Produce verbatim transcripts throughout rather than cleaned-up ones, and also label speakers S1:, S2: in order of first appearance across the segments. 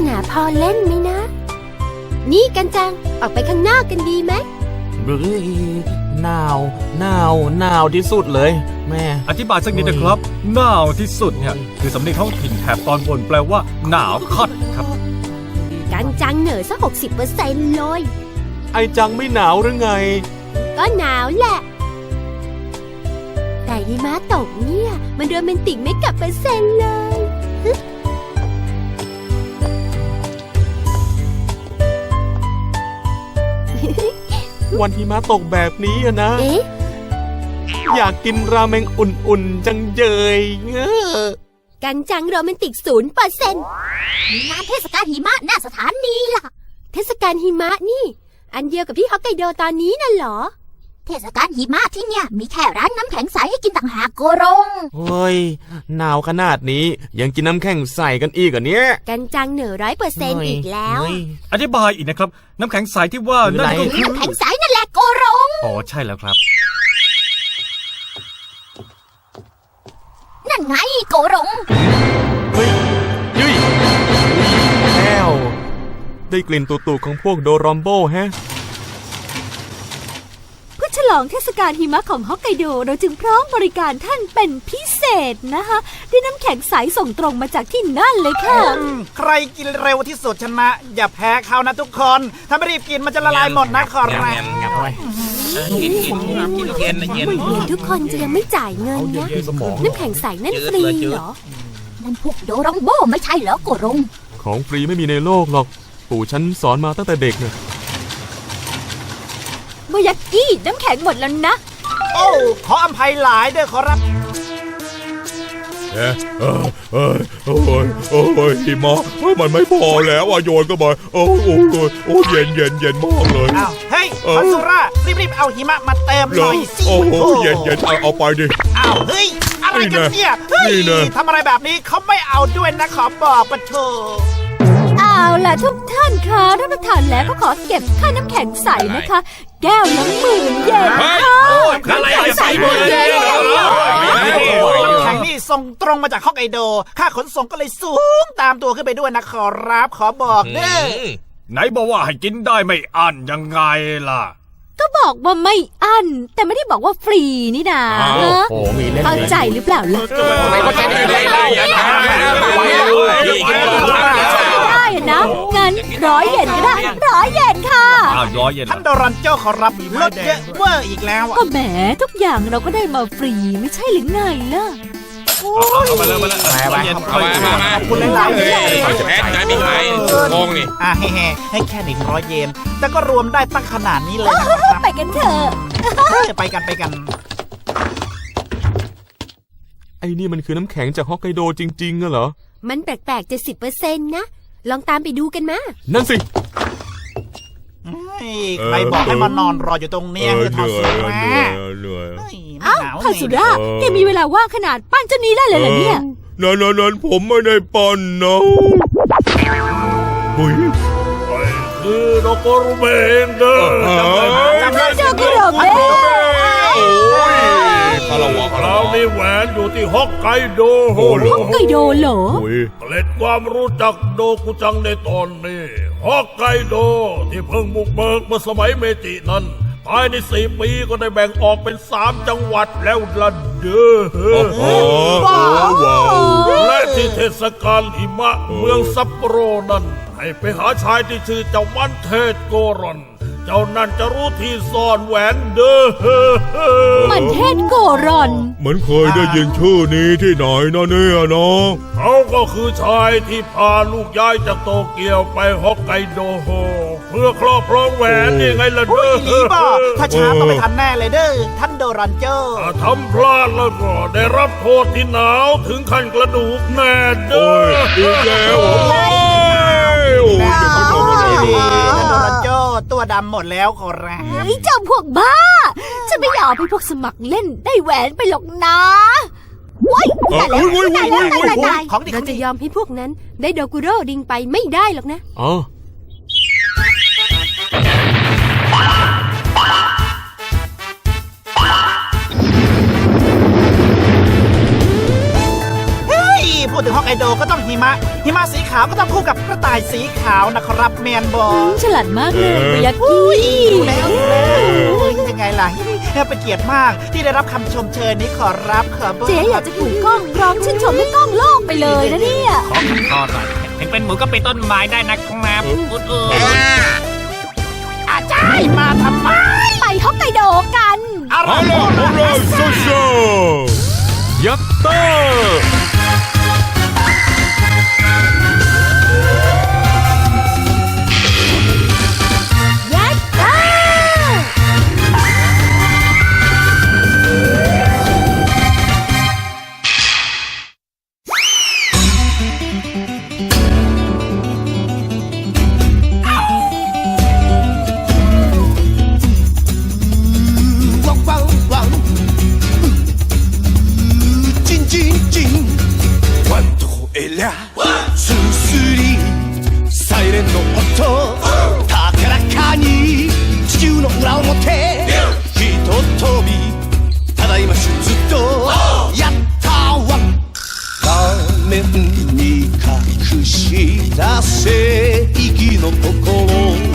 S1: นาพอเล่นไหมนะนี่กันจังออกไปข้างนอกกันดีไหม
S2: เฮ้ยหนาวหนาวหนาวที่สุดเลยแม่
S3: อธิบายสักนิดนะครับหนาวที่สุดเนี่ยคือสำเนียงท้องถิ่นแถบตอนบนแปลว่าหนาวคัดครับ
S1: กันจังเหนือสักหกสิบเปอร์เซ็นต์เลย
S2: ไอจังไม่หนาวหรือไง
S1: ก็หนาวแหละแต่หิมะตกเนี่ยมันโรแมนติกไม่กับเปอร์เซ็นต์เลย
S2: วันหิมะตกแบบนี้อะนะอยากกินราเมงอุ่นๆจังเจยเงอ
S1: กันจังโรแมนติกศูนย์เปอร์เซ็นต์มีงานเทศกาลหิมะหน้าสถานีล่ะเทศกาลหิมะนี่อันเดียวกับที่ฮอกไกโดตอนนี้น่ะเหรอเทศกาลหิมะที่เนี่ยมีแค่ร้านน้ำแข็งใสให้กินต่างหากโกรง
S2: เฮ้ยหนาวขนาดนี้ยังกินน้ำแข็งใสกันอีกอ่ะเนี่ย
S1: กันจังเหนือร้อยเปอร์เซ็นต์อีกแล้ว
S3: อธิบายอีกนะครับน้ำแข็งใสที่ว่านั่นก็คือ
S1: น้ำแข็งใสนั่นแหละโกรง
S3: อ๋อใช่แล้วครับ
S1: นั่นไงโกรง
S2: เฮ้ยยุ้ยแล้วได้กลิ่นตุ่ๆของพวกโดรอมโบฮะ
S1: เพื่อฉลองเทศกาลหิมะของฮอกไกโดเราจึงพร้อมบริการท่านเป็นพิเศษนะคะด้วยน้ำแข็งใสส่งตรงมาจากที่นั่นเลยค่ะ
S4: ใครกินเร็วที่สุดชนะอย่าแพ้เขานะทุกคนถ้าไม่รีบกินมันจะละลายหมดนะขอรับ
S1: กินกินกินเย็นเย็นทุกคนจะยังไม่จ่ายเงินนะน้ำแข็งใสนั่นฟรีเหรอนั่นพวกโดรองโบไม่ใช่เหรอโกรง
S2: ของฟรีไม่มีในโลกหรอกปู่ฉันสอนมาตั้งแต่เด็กเนี่ย
S1: โมยากิน้ำแข็งหมดแล้วนะ
S4: โอ้ขออภัยหลายด้วยขอรับ
S5: เอ้เอ้เอ้โอ้ยโอ้ยหิมะมันไม่พอแล้วอ่ะโยนก็มาโอ้โอ้โอ้เย็นเย็นเย็นมากเลย
S4: อ้าวเฮ้ยคอนซูร่ารีบๆเอาหิมะมาเติมหน่อยสิ
S5: โอ้โหเย็นเย็นเอาเอาไปดิ
S4: อ้าวเฮ้ยอะไรกันเนี่ยเฮ้ยทำอะไรแบบนี้เขาไม่เอาด้วยนะขอบอกปะโถ
S1: เอาล่ะทุกท่านคะรับประทานแล้วก็ขอเก็บค่าน้ำแข็งใสนะคะแก้วละหมื่นเยนค่ะ
S4: น้ำแข็งใสหมื่นเยนน้ำแข็งนี่ส่งตรงมาจากฮอกไกโดค่าขนส่งก็เลยสูงตามตัวขึ้นไปด้วยนะขอรับขอบอกเด้อ
S3: ไหนบอกว่าให้กินได้ไม่อั้นยังไงล่ะ
S1: ก็บอกว่าไม่อั้นแต่ไม่ได้บอกว่าฟรีนี่นาเข้าใจหรือเปล่าล่ะไม่เข้าใจได้ได้ได้นะงั้นร้อยเยนก็ได้ร้อยเยนค่ะ
S3: ร้อยเยน
S4: ท่านโดรันโจ้ขอรับลดเยอะเวอร์อีกแล้ว
S1: ก็แหมทุกอย่างเราก็ได้มาฟรีไม่ใช่หรือไงล่ะ
S3: เอามาเลยมาเลยมาเย็นเอามามา
S4: ขอบคุณหลายๆเลย
S3: แพ้ใจไม่หายงงนี่
S4: อ่ะแฮ่ให้แค่หนึ่งร้อยเยนแต่ก็รวมได้ตั้งขนาดนี้เลยนะครับ
S1: ไปกันเถอะ
S4: ไปกันไปกัน
S2: ไอ้นี่มันคือน้ำแข็งจากฮอกไกโดจริงๆเหรอ
S1: มันแปลกๆจะสิบเปอร์เซ็นต์นะลองตามไปดูกันมา
S2: นั่นสิ
S4: ใครบอกให้มานอนรออยู่ตรงนี้คือทอสุระ
S1: อ้าวทอสุระแกมีเวลาว่างขนาดปั้นเจ้านี้ได้เลยเหรอเนี่ย
S5: นั่นนั่นผมไม่ได้ปั้นนะ
S3: หุ้ยคือโดโกรุเมงเด้อ
S1: จำได้โดโกรุเมง
S3: โอ้ยคาราวะเรานี่แหวนอยู่ที่ฮอกไกโด
S1: ฮอกไกโดเหรอ
S3: เกล็ดความรู้จักโดกุจังในตอนนี้ฮอกไกโดที่เพิ่งบุกเบิกเมื่อสมัยเมจินั้นภายในสี่ปีก็ได้แบ่งออกเป็นสามจังหวัดแล้วล่ะเด้อ
S5: ว้าว
S3: และที่เทศกาลหิมะเมืองซัปโปโรนั้นให้ไปหาชายที่ชื่อเจ้ามันเทศโกรอนเจ้านั่นจะรู้ที่ซ่อนแหวนเด้อ
S1: มันเทศโกรอน
S5: เหมือนเคยได้ยินชื่อนี้ที่ไหนนะเนี่ยน้อง
S3: เขาก็คือชายที่พาลูกย้ายจากโตเกียวไปฮอกไกโดเพื่อครอบครองแหวนนี่ไงล่ะเด้อ
S4: ถ้าช้าต้องไปทันแน่เลยเด้อท่านโดรันเจอร์
S3: ทำพลาดแล้วก็ได้รับโทษที่หนาวถึงขั้นกระดูกแน่เด้อ
S5: อีกแล้ว
S4: โอ้ยจะไม่ทำอะไรท่านโดรันเจอร์ตัวดำหมดแล้วขอรับ
S1: เฮ้ยเจ้าพวกบ้าฉันไม่อยากให้พวกสมัครเล่นได้แหวนไปหรอกนะว้ายตายแล้วตายแล้วตายแล้วเราจะยอมให้พวกนั้นได้โดกุโร่ดิงไปไม่ได้หรอกนะ
S2: อ๋อ
S4: พูดถึงฮอกไกโดก็ต้องหิมะหิมะสีขาวก็ต้องคู่กับกระต่ายสีขาวนะครับแมนบอล
S6: ฉลาดมากเลยเบยากิ
S4: ดูแล้วดูแล้วยังไงล่ะเป็นเกียรติมากที่ได้รับคำชมเชยนี้ขอรับขอบอก
S6: เจ๊อยากจะถูกกล้องร้องชื่นชมให้กล้องโลกไปเลยนะเนี่ย
S7: ขอคำขอหน่อยถึงเป็นหมูก็เป็นต้นไม้ได้นะครับอุดเออ
S4: อาจารย์มาทำไม
S6: ไปฮอกไกโดกัน
S4: อะไร
S5: ฮัลโหลฮัลโหลโซโซ
S2: ยัตเตอร์
S1: ยัดเตอร์
S8: すすりサイレンの音高らかに地球の裏表ひととびただいま手術とやったわ画面に隠した正義の心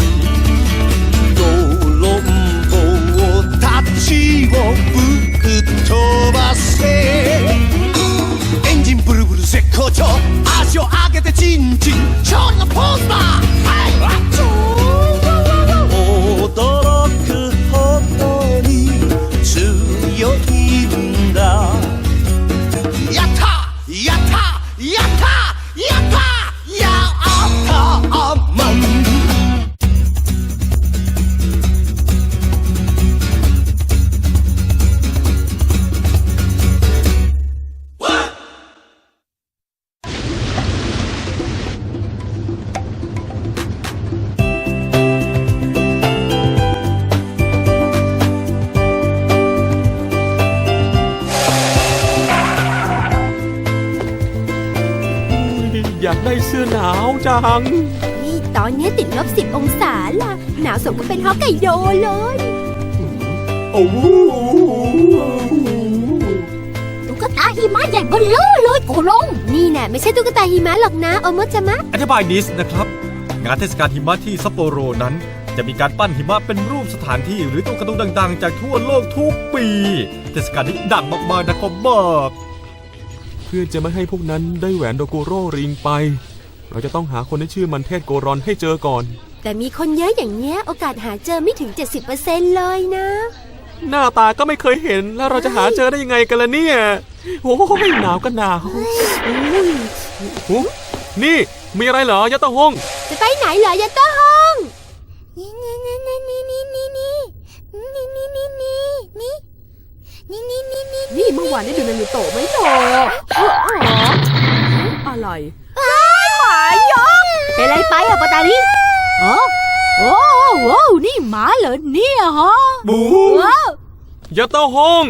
S8: 泥棒たちをぶっ飛ばせエンジンブルブル絶好調足を上げてチンチン勝利のポーズだはい驚くほどに強いんだやったやったやったやったやったマン
S2: อยากได้เสื้อหนาวจัง
S1: นี่ตอนนี้ติดลบสิบองศาล่ะ หนาวสมก็เป็นฮอกไกโดเลย
S2: โอ้โห
S1: ตุ๊กตาหิมะใหญ่เบ้อเร่อเลยโกลงนี่แน่ไม่ใช่ตุ๊กตาหิมะหรอกนะโอโมจามะ
S9: อธิบายนิดนะครับ งานเทศกาลหิมะที่ซัปโปโรนั้น จะมีการปั้นหิมะเป็นรูปสถานที่หรือตัวการ์ตูนดังๆ จากทั่วโลกทุกปี เทศกาลนี้ดังมากๆนะครับบอก
S2: เพื่อจะไม่ให้พวกนั้นได้แหวนโดโกโร่ริงไป เราจะต้องหาคนที่ชื่อมันเทศโกรอนให้เจอก่อน
S1: แต่มีคนเยอะอย่างเงี้ยโอกาสหาเจอไม่ถึง เจ็ดสิบเปอร์เซ็นต์ เลยนะ
S2: หน้าตาก็ไม่เคยเห็นแล้วเราจะหาเจอได้ยังไงกันล่ะเนี่ยโอ้ยหนาวก็หนาวอุ้ยหูนี่มีอะไรเหรอยัตโตฮง
S1: จะไปไหนเหรอยาต้าฮงนี่นี่นี่นี่นี่นี่นี่นี่นี่นี่นี่นี่นี่นี่นี่นี่นี่
S6: นี่เมื่อวานได้ดูนารูโตะไหมโตอะไรหมายกเป็นอะไรไปอะปาตาลิอ๋อโอ้โหนี่หมาเหรอเนี่ยฮะ
S2: บู
S6: ว้าว
S2: ยัตโตฮง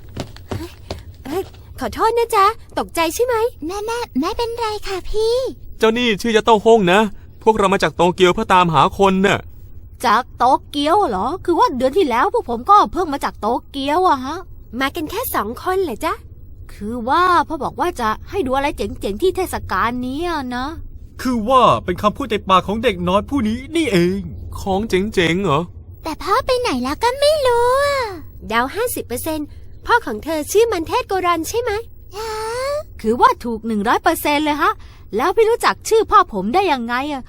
S1: ขอโทษนะจ๊ะตกใจใช่ไหมแม่แม่ไม่เป็นไรค่ะพี่
S2: เจ้านี่ชื่อยัตโตฮงนะ พวกเรามาจากโตเกียวเพื่อตามหาคนน่ะ
S6: จากโตเกียวเหรอคือว่าเดือนที่แล้วพวกผมก็เพิ่งมาจากโตเกียวอะฮะ
S1: มากันแค่สองคนเหรอจ๊ะ
S6: คือว่าพ่อบอกว่าจะให้ดูอะไรเจ๋งๆที่เทศกาลนี้อะนะ
S9: คือว่าเป็นคำพูดในปากของเด็กน้อยผู้นี้นี่เอง
S2: ของเจ๋งๆเหรอ
S1: แต่พ่อไปไหนแล้วก็ไม่รู้ดาวห้าสิบเปอร์เซ็นต์พ่อของเธอชื่อมันเทศโกรันใช่ไหม
S6: คือว่าถูกหนึ่งร้อยเปอร์เซ็นต์เลยฮะ แล้วพี่รู้จักชื่อพ่อผมได้ยังไงอะ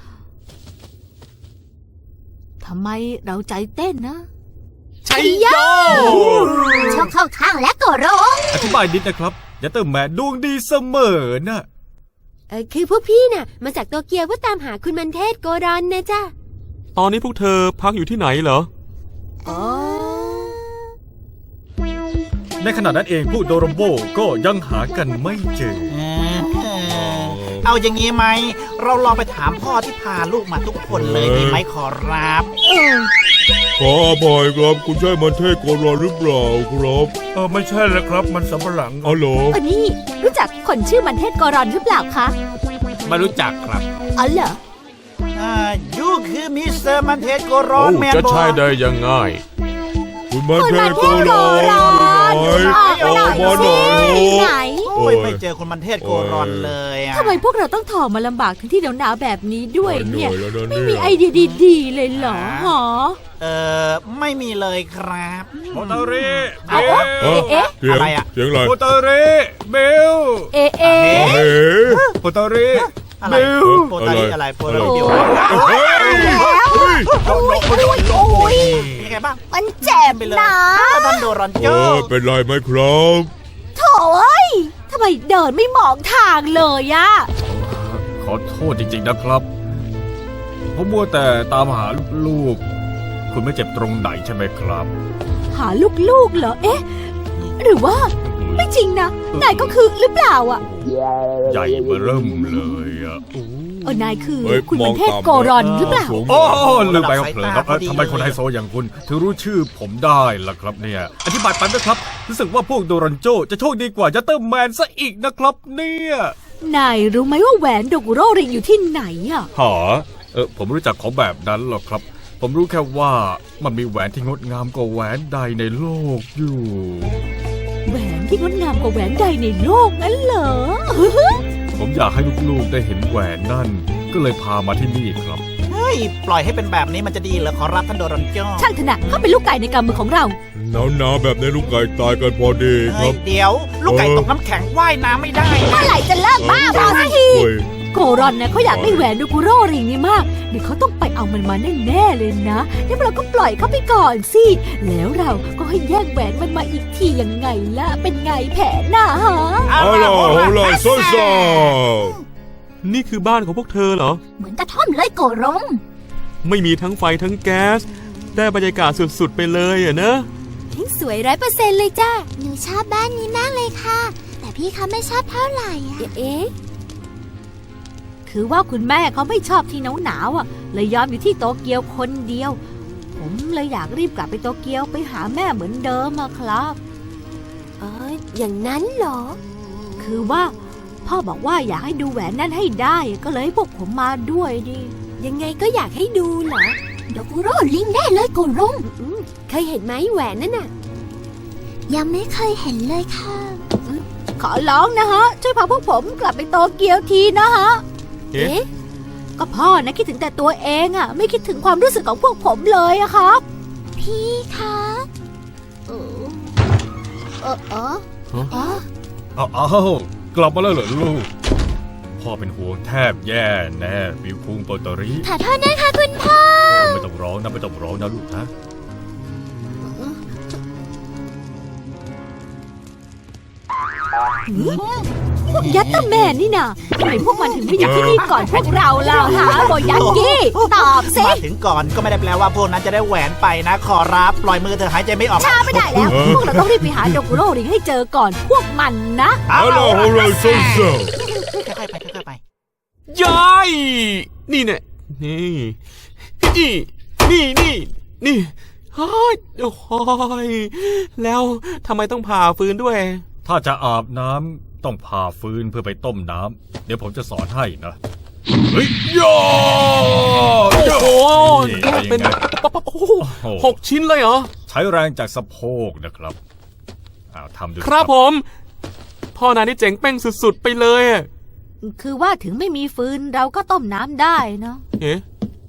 S6: ทำไมเราใจเต้นนะ
S2: ชัยโย
S1: ชอบเข้าทางและก็ร้อง
S9: อธิบายนิดนะครับยัตเตอร์แมนดวงดีเสมอน่ะ
S1: เออคือพวกพี่น่ะมาจากโตเกียวเพื่อตามหาคุณมันเทศโกรันนะจ๊ะ
S2: ตอนนี้พวกเธอพักอยู่ที่ไหนเหรอ
S1: อ๋อ
S9: ในขณะนั้นเองพวกโดโรโบก็ยังหากันไม่เจอ
S4: เอาอย่างนี้ไหมเราลองไปถามพ่อที่พาลูกมาทุกคนเลยดีไหมขอรับ
S5: ขออภัยครับคุณใช่มันเทศโกรอนหรือเปล่าครับ
S3: เออไม่ใช่เลยครับมันสำปะหลัง
S5: อ๋อเหรอ
S6: อันนี้รู้จักคนชื่อมันเทศกรอนหรือเปล่าคะ
S7: ไม่รู้จักครับ
S6: อ๋อเหรอ
S4: อ่ายูคือมิสเตอร์มันเทสโกรอน
S2: โอ้
S4: แมน
S2: จะ
S4: บอ
S2: ใช่
S4: ล
S2: ได้ยังไง
S5: คุณมันเทศโกรอนอยู่ไหน
S6: ออกมาหน่อย
S5: ออกมาหน่อย
S6: สิ
S5: โอ้
S6: ไหน
S4: โอ้ยไม่เจอคนมันเทศโกรอนเลย
S6: ทำไมพวกเราต้องถอมาลำบากทั้งที่หนาวๆแบบนี้ด้วยเนี่ย
S5: เหนื่อยแล้วนะ
S6: ไม่
S5: เนี่ย
S6: มีไอเดียดีๆเลยเหรอหอ
S4: เออไม่มีเลยครับ
S7: โมตาริ
S6: เอา
S7: เบล
S6: เอ๊ะเอ๊ะ
S5: เสียง
S4: อะไรอะ
S5: เสียงอะไร
S7: โมตาริเบล
S6: เอ๊ะเอ๊ะ
S5: เฮ้
S7: โมตาริ
S4: อะไร
S7: เบล
S4: โปรตารีอะไรโปรตารีเดียว
S5: เฮ้ยเฮ้ย
S6: โอ้ยโอ้ยโอ้ย
S4: เป็นไงบ้าง
S6: มันเจ็บ
S4: ไปเลย
S6: นะ
S4: ท่านโดรอนโจ
S5: โอ้ยเป็นไรไหมครับ
S6: โถ่เอ้ยทำไมเดินไม่มองทางเลยอะ
S9: ขอโทษจริงๆนะครับ ผมมัวแต่ตามหาลูกๆ คุณไม่เจ็บตรงไหนใช่ไหมครับ
S6: หาลูกๆเหรอเอ๊ะ หรือว่าไม่จริงนะนายก็คือหรือเปล่าอะ
S9: ใหญ่เบ้อเริ่มเลยอะ
S6: เออนายคือ
S5: เฮ้ย
S6: คุณ
S5: ม
S6: มั
S5: อน ง
S6: เทพ
S5: ต่ำ
S6: โกรอนหรือเปล่า
S5: สูง
S9: โอ้ลืมไปครับเผลอครับเอ้ยทำไมคนไฮโซอย่างคุณ ถึงรู้ชื่อผมได้ล่ะครับเนี่ย อธิบายไปนะครับ รู้สึกว่าพวกโดรันโจจะโชคดีกว่ายัตเตอร์แมนซะอีกนะครับเนี่ย
S6: นายรู้ไหมว่าแหวนโดกุโร่ริงอยู่ที่ไหนอะ
S9: หาเออผมรู้จักของแบบนั้นหรอกครับ ผมรู้แค่ว่ามันมีแหวนที่งดงามกว่าแหวนใดในโลกอยู่
S6: แหวนที่งดงามกว่าแหวนใดในโลกนั้นเหรอ
S9: ผมอยากให้ลูกๆได้เห็นแหวนนั่น ก็เลยพามาที่นี่ครับ
S4: เฮ้ยปล่อยให้เป็นแบบนี้มันจะดีเหรอขอรับท่านโดรอนโจ
S6: ช่างเถอะนะเขาเป็นลูกไก่ในกำมือของเรา
S5: หนาวหนาวๆแบบนี้ลูกไก่ตายกันพอดีค
S4: เฮ้
S5: รั
S4: ย
S5: บ
S4: เดี๋ยว ลูกไก่ตกน้ำแข็งว่ายน้ำไม่ได้นะ
S6: เมื่อไหร่จะเลิกบ้าบอสักที
S5: เฮ้ย
S6: โกรอนนะเขาอยากได้แหวนโดกุโร่ริงนี่มาก เดี๋ยวเขาต้องไปเอามันมาแน่ๆเลยนะงั้นเราก็ปล่อยเขาไปก่อนสิ แล้วเราก็ให้แย่งแหวนมันมาอีกทียังไงล่ะ เป็นไงแผนน่ะฮะ
S5: เอาล่ะเอาล่ะซ่าซ่า
S2: นี่คือบ้านของพวกเธอเหรอ
S1: เหมือนกระท่อมเลยโกรง
S2: ไม่มีทั้งไฟทั้งแก๊ส ได้บรรยากาศสุดๆไปเลยอะนะ
S1: สวยร้อยเปอร์เซ็นต์เลยจ้าหนูชอบบ้านนี้มากเลยค่ะ แต่พี่เขาไม่ชอบเท่าไหร่อะเอ๊ะ
S6: คือว่าคุณแม่เขาไม่ชอบที่หนาวๆอ่ะ เลยยอมอยู่ที่โตเกียวคนเดียว ผมเลยอยากรีบกลับไปโตเกียวไปหาแม่เหมือนเดิมอะครับ
S1: เอออย่างนั้นเหรอ
S6: คือว่า พ่อบอกว่าอยากให้ดูแหวนนั่นให้ได้ ก็เลยให้พวกผมมาด้วยดิ
S1: ยังไงก็อยากให้ดูเหรอโดกุโร่ลิงได้เลยโกรง
S6: อืม
S1: เคยเห็นไหมแหวนนั่นน่ะ ยังไม่เคยเห็นเลยค่ะ
S6: ขอร้องนะฮะ ช่วยพาพวกผมกลับไปโตเกียวทีนะฮะ
S2: เอ๊ะ
S6: ก็พ่อนะคิดถึงแต่ตัวเองอะไม่คิดถึงความรู้สึกของพวกผมเลยอะครับ
S1: พี่คะเออเออเออเออ
S9: เอาเอากลับมาแล้วเหรอลูก พ่อเป็นห่วงแทบแย่แน่บิวคุงโปรตรี
S1: ขอโทษนะคะคุณพ่อ
S9: ไม่ต้องร้องนะไม่ต้องร้องนะลูกนะ
S6: พวกยัตเตอร์แมนนี่นะทำไมพวกมันถึงไม่อยู่ที่นี่ก่อนพวกเราล่ะฮะโบยักกี้ตอบสิ
S4: มาถึงก่อนก็ไม่ได้แปลว่าพวกนั้นจะได้แหวนไปนะ ขอรับปล่อยมือเธอหายใจไม่ออก
S6: ช้าไม่ได้แล้ว พวกเราต้องรีบไปหาโดกุโร่ริงให้เจอก่อนพวกมันนะ
S5: เอาล่ะเอาล่ะซ่าซ่า
S4: ค่อยๆไปค่อยๆไป
S2: ยาย นี่เนี่ยนี่นี่นี่นี่นี่เฮ้ยโอ้ยแล้วทำไมต้องผ่าฟืนด้วย
S9: ถ้าจะอาบน้ำต้องผ่าฟืนเพื่อไปต้มน้ำเดี๋ยวผมจะสอนให้นะ เฮ้ยย่อ
S2: โอ้โห
S9: นี่
S2: แยกเป็น
S9: ไง
S2: ปั๊บปั๊บโอ้โหหกชิ้นเลยเหรอ
S9: ใช้แรงจากสะโพกนะครับอ้าวทำดู
S2: ครับผม พ่อนายนี่เจ๋งเป้งสุดๆไปเลยอะ
S6: คือว่าถึงไม่มีฟืนเราก็ต้มน้ำได้เนาะ
S2: เอ๊ะ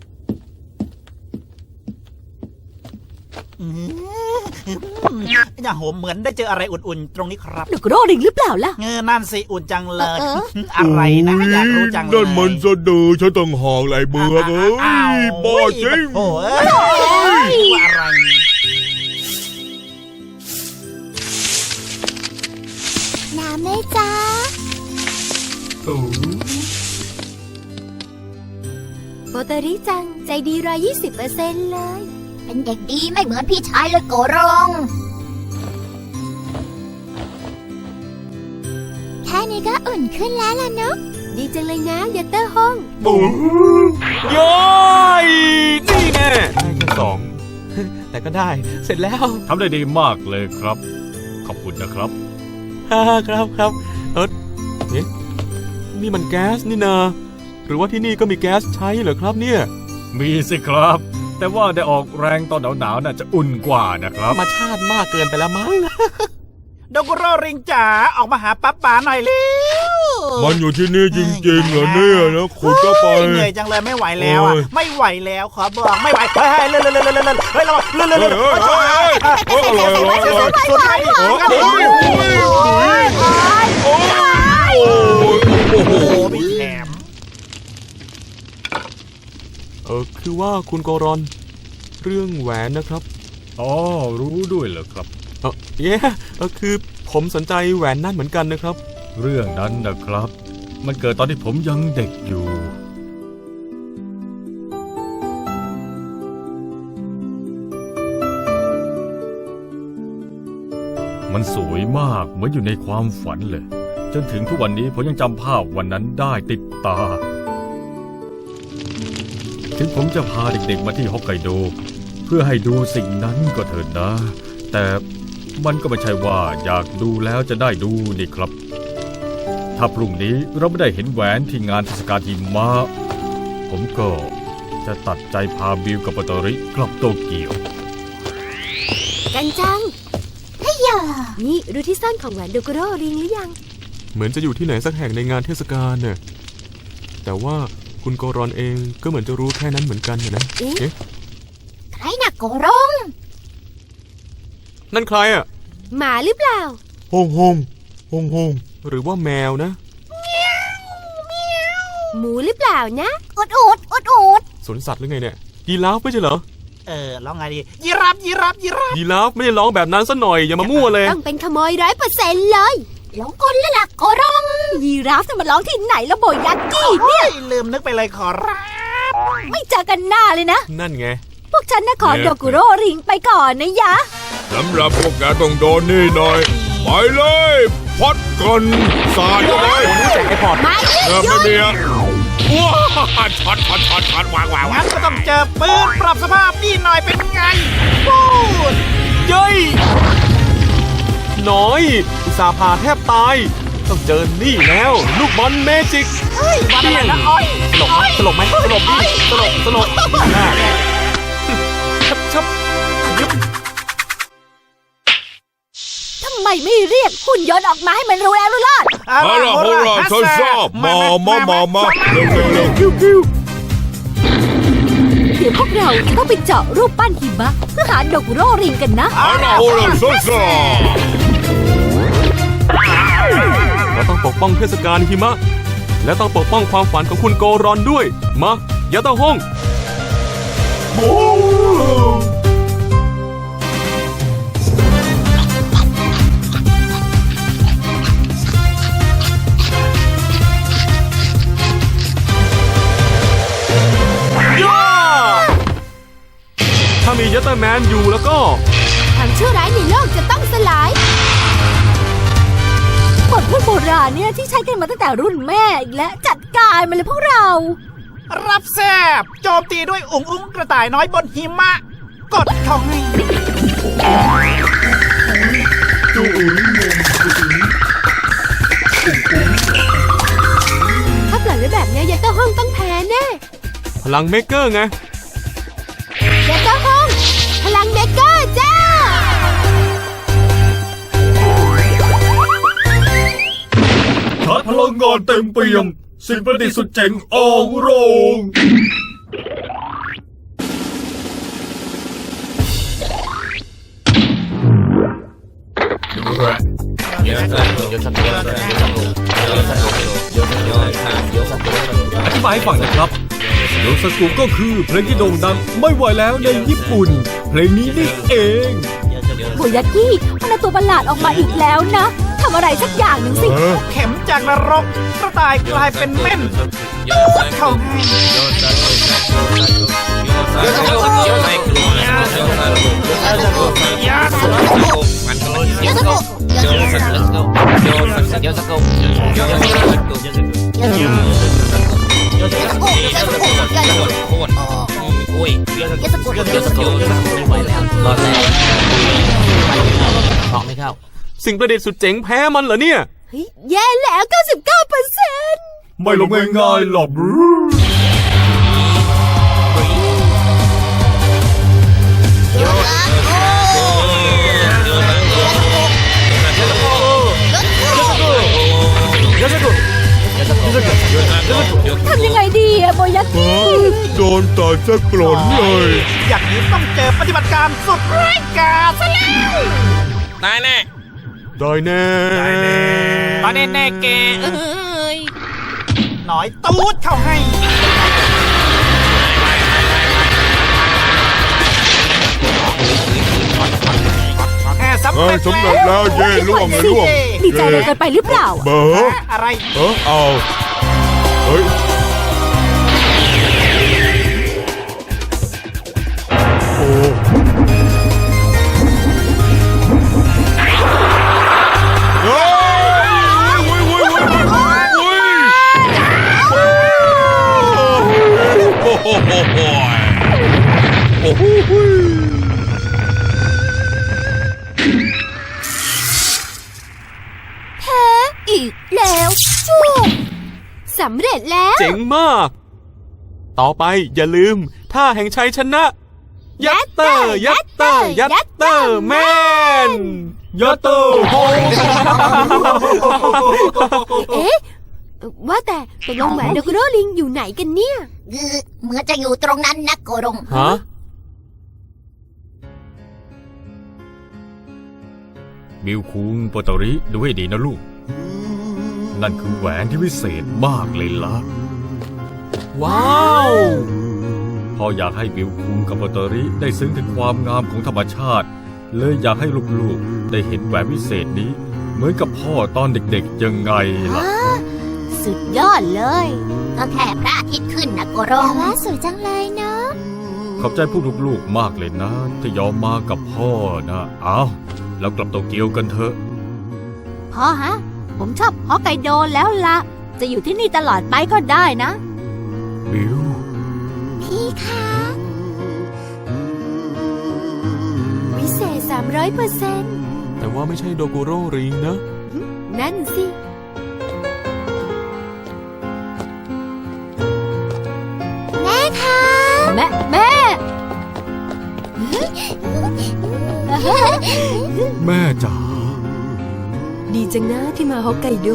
S4: อย่าโหมเหมือนได้เจออะไรอุ่นๆ ตรงนี้ครับ
S6: โดกุโร่ริงหรือเปล่าล่ะ
S4: เงอนั่นสิอุ่นจังเลย
S1: เออ
S4: อะไรนะอยากรู้จังเลย
S5: นั่นมันสะดือฉันต้องหอกไหลเบือกเอ้ยบ้าจริง
S4: โอ้ยว่าอะไร
S1: น้ำไหมจ๊ะโบเตอรี่จัง ใจดีร้อยยี่สิบเปอร์เซ็นต์เลย เป็นเด็กดีไม่เหมือนพี่ชายเลยโกรงแค่นี้ก็อุ่นขึ้นแล้วล่ะเนาะดีจังเลยนะยัตเตอร์ห้อง
S2: ย้อยนี่แน่ได้แค่สอง แต่ก็ได้ เสร็จแล้ว
S9: ทำได้ดีมากเลยครับ ขอบคุณนะครับ
S2: ฮ่าครับครับ เออเอ๊ะนี่มันแก๊สนี่นาหรือว่าที่นี่ก็มีแก๊สใช้เหรอครับเนี่ย
S9: มีสิครับ แต่ว่าได้ออกแรงตอนหนาวๆน่าจะอุ่นกว่านะครับ
S2: ธรรมชาติมากเกินไปแล้วมั้ง
S4: โดกุโร่ริงจ๋าออกมาหาป๊าป๋าหน่อยเร็ว
S5: มันอยู่ที่นี่จริงๆเหรอเนี่ยนะขุดเข้าไป
S4: เหนื่อยจังเลยไม่ไหวแล้วอ่ะ
S5: โอ้ย
S4: ไม่ไหวแล้วขอบอกไม่ไหวเฮ้ยเลื่อนเลื่อนเลื่อนเลื่อนเฮ้ยระวังเลื่อนเลื่อนเลื่อน
S5: เฮ้ยเฮ้ยเฮ้ยเฮ้ยอร่อยอร่อยอร่อย
S4: สุดท้าย
S5: โอ้ยโอ้ยโอ้ยโอ้โห
S4: โอ้โหมีแถม
S2: เออคือว่าคุณโกรอนเรื่องแหวนนะครับ
S9: อ๋อ รู้ด้วยเหรอครับ
S2: เออเย้เออคือผมสนใจแหวนนั่นเหมือนกันนะครับ
S9: เรื่องนั้นนะครับ มันเกิดตอนที่ผมยังเด็กอยู่ มันสวยมากเหมือนอยู่ในความฝันเลย จนถึงทุกวันนี้ผมยังจำภาพวันนั้นได้ติดตา ถึงผมจะพาเด็กๆมาที่ฮอกไกโด เพื่อให้ดูสิ่งนั้นก็เถิดนะ แต่มันก็ไม่ใช่ว่าอยากดูแล้วจะได้ดูนี่ครับ ถ้าพรุ่งนี้เราไม่ได้เห็นแหวนที่งานเทศกาลหิมะผมก็จะตัดใจพาบิวกับปาโตริกลับโตเกียว
S1: กันจังเฮ้ยอย่านี่รู้ที่ซ่อนของแหวนโดกุโร่ริงหรือยัง
S2: เหมือนจะอยู่ที่ไหนสักแห่งในงานเทศกาลเนี่ยแต่ว่าคุณโกรอนเองก็เหมือนจะรู้แค่นั้นเหมือนกันนะ
S1: เอ๊ะ
S2: เอ๊ะ
S1: ใครน่ะโกรง
S2: นั่นใครอ่ะ
S1: หมาหรือเปล่า
S5: ฮงฮงฮงฮง
S2: หรือว่าแมวนะ
S1: หมูหรือเปล่านะอุดอุดอุดอุด
S2: สวนสัตว์หรือไงเนี่ยยีราฟไม่ใช่เหรอ
S4: เออร้องไงดียีราฟยีราฟยีราฟ
S2: ยีราฟไม่ได้ร้องแบบนั้นซะหน่อยอย่ามามั่วเลย
S1: ต้องเป็นขโมยร้อยเปอร์เซ็นต์เลยหลงกลแล้วล่ะโกรง
S6: ยีราฟจะมาร้องที่ไหนแล้วโบยักกี้
S4: เนี่ยลืมนึกไปเลยขอรับ
S6: ไม่เจอกันหน้าเลยนะ
S2: นั่นไง
S6: พวกฉันนะขอโดกุโร่ริงไปก่อนนะยะ
S5: สำหรับพวกแกต้องโดนนี่หน่อยไปเลยพัดกันสาดเข้าไป
S1: ไม่
S5: เริ่มไม่มีอ่ะว้าช็อตช็อตช็อตช็อตวางวาง
S4: งั้นก็ต้องเจอปืนปรับสภาพนี่หน่อยเป็นไงพูด
S2: เย้ยน้อยอุตส่าห์ผ่าแทบตาย ต้องเจอนี่แล้ว ลูกบอลเมจิก
S4: วันอะไรนะอ้อย
S2: ตลกไหมตลกไหมตลกดิตลกตลกหน้าชับชับยึบ
S6: ทำไมไม่เรียกหุ่นยนต์ออกมาให้มันรู้แล้วรู้รอด
S5: เอาล่ะเอาล่ะฉันชอบมามามามาเร็วเร็วเร็วคิวคิว
S6: เดี๋ยวพวกเราจะต้องไปเจาะรูปปั้นหิมะเพื่อหาโดกุโร่ริงกันนะ
S5: เอาล่ะเอาล่ะฉันชอบ
S2: เราต้องปกป้องเทศกาลหิมะ และต้องปกป้องความฝันของคุณโกรอนด้วย มายาตาฮ่อง ย่าถ้ามียัตเตอร์แมนอยู่แล้วก็
S1: ความชั่วร้ายในโลกจะต้องสลาย
S6: บทพูดโบราณเนี่ยที่ใช้กันมาตั้งแต่รุ่นแม่อีกและจัดการมาเลยพวกเรา
S4: รับแซบโจมตีด้วยอุ๋งอุ้งกระต่ายน้อยบนหิมะ กดเขาให้
S1: ถ้าปล่อยไว้แบบนี้ยาเต้าห้องต้องแพ้แน่
S2: พลังเมกเกอร์ไง
S1: ยาเต้าห้อง พลังเมกเกอร์จ้า
S9: ชาร์จพลังงานเต็มเปี่ยม สิ่งประดิษฐ์สุดเจ๋งออกโรง อธิบายให้ฟังนะครับโยสกุก็คือเพลงที่โด่งดังไม่ไหวแล้วในญี่ปุ่น เพลงนี้นี่เอง
S6: โบยักกี้มันเอาตัวประหลาดออกมาอีกแล้วนะทำอะไรสักอย่างหนึ่งสิ
S4: เข็มจากนรกกระต่ายกลายเป็นเม่นกดเขาให้
S2: สิ่งประดิษฐ์สุดเจ๋งแพ้มันเหรอเนี่ย
S1: เฮ้ย แย่แล้ว เก้าสิบเก้าเปอร์เซ็นต์
S9: ไม่ลงง่ายๆหรอก
S2: ย
S5: น้ำตาลสักกรนเลย
S4: อย่างนี้ต้องเจอปฏิบัติการสุดร้ายกาจซะแล้ว
S7: ตายแน่
S2: ได้แน่
S7: ตอนแน่แน่ๆแกเอ้ย
S4: หน่อยตูดเข้าให้แอบสำ
S5: เอ้
S4: เร็
S5: ย
S4: จ
S5: สำเร็จแล้วเย่ล่วงเลยล่วง
S6: ดีใจอะไรกันไปหรือเปล่า
S5: เบอร์
S4: อะไร
S5: เออเอาเฮ้ยโอ้เฮ้ยเว้ยเว้ยเว้ยเว้ยเว้ยโอ้โหโอ้โหโอ้โห
S1: แพ้อีกแล้วจุ๊บสำเร็จแล้ว
S2: เจ๋งมาก ต่อไปอย่าลืมท่าแห่งชัยชนะ ยัตเตอร์ ยัตเตอร์ ยัตเตอร์แมน ยัตเตอร์โฮ
S1: เอ๊ะ ว่าแต่ตกลงแหวนโดกุโรลิงอยู่ไหนกันเนี่ย
S10: เหมือนจะอยู่ตรงนั้นนะโกรง
S2: ฮะ
S9: บิวคุงโปโตริดูให้ดีนะลูก นั่นคือแหวนที่วิเศษมากเลยล่ะ
S2: ว้าว
S9: พ่ออยากให้บิวคุงกับโปโตริได้ซึ้งถึงความงามของธรรมชาติ เลยอยากให้ลูกๆได้เห็นแหวนวิเศษนี้ เหมือนกับพ่อตอนเด็กๆยังไงล่ะ
S1: สุดยอดเลย
S10: ก็แค่พระอาทิตย์ขึ้นนะโกร
S1: แต่
S10: ง
S1: ว่าสวยจังเลยเนาะ
S9: ขอบใจพวกลูกๆมากเลยนะ ที่ยอมมากับพ่อนะเอาแล้วกลับโตเกียวกันเถอะ
S6: พ่อฮะ ผมชอบฮอกไกโดแล้วละ จะอยู่ที่นี่ตลอดไปก็ได้นะ
S9: บิว
S1: พี่คะ วิเศษ สามร้อยเปอร์เซ็นต์
S2: แต่ว่าไม่ใช่โดกุโรริงนะ
S1: นั่นสิ แม่คะ
S6: แม่แม่
S9: แม่จ๋า
S1: ดีจังนะที่มาฮอกไกโด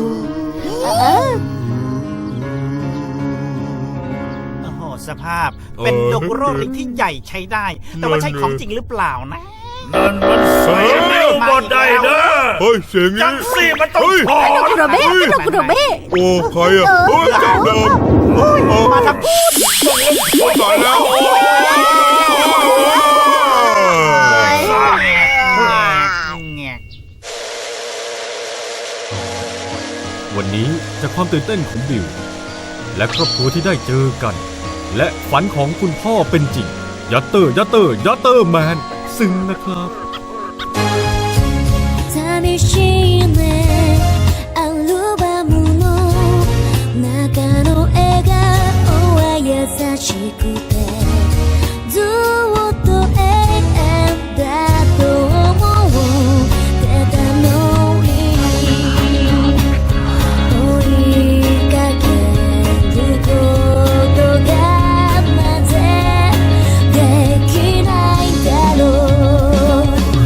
S4: โอ้โหสภาพเป็นโดกุโรลิงที่ใหญ่ใช้ได้ แต่ว่าใช่ของจริงหรือเปล่านะ
S3: นั่นมันใส่นิ้วบนได้เด้อ
S5: เฮ้ยเสียงนี้
S3: จังสี่มันต้อง
S5: เฮ้ย
S3: ถอด
S6: โดกุโรเบ้โดกุโรเบ้
S5: โอ้ใครอ่ะเฮ้ยจับเดิมโอ้
S4: มาทำ
S5: ตายแล้วโอ้ย
S4: แงก
S9: วันนี้จากความตื่นเต้นของบิว และครอบครัวที่ได้เจอกัน และฝันของคุณพ่อเป็นจริง ยัตเตอร์ ยัตเตอร์ ยัตเตอร์แมน ซึ้งนะครับ
S1: 寂しいねアルバムの中の笑顔は優しくてずっと永遠だと思ってたのに追いかけることがなぜできないんだろう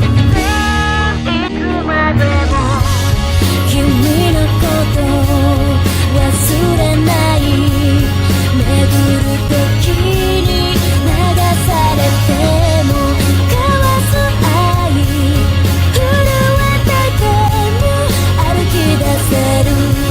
S1: 君のこと忘れない巡る時に流されても交わす愛震えてても歩き出せる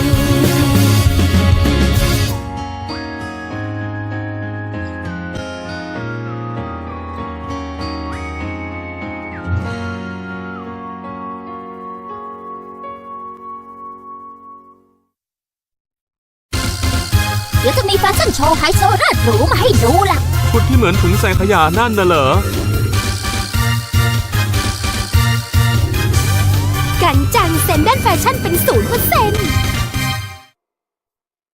S1: เดี๋ยวจะมีแฟชั่นโชว์ไฮโซเลิศหรูมาให้ดูล่ะ
S2: ชุดที่เหมือนถุงใส่ขยะนั่นน่ะเหรอ กันจังเซ็นด้านแฟชั่นเป็นศูนย์เปอร์เซ็นต์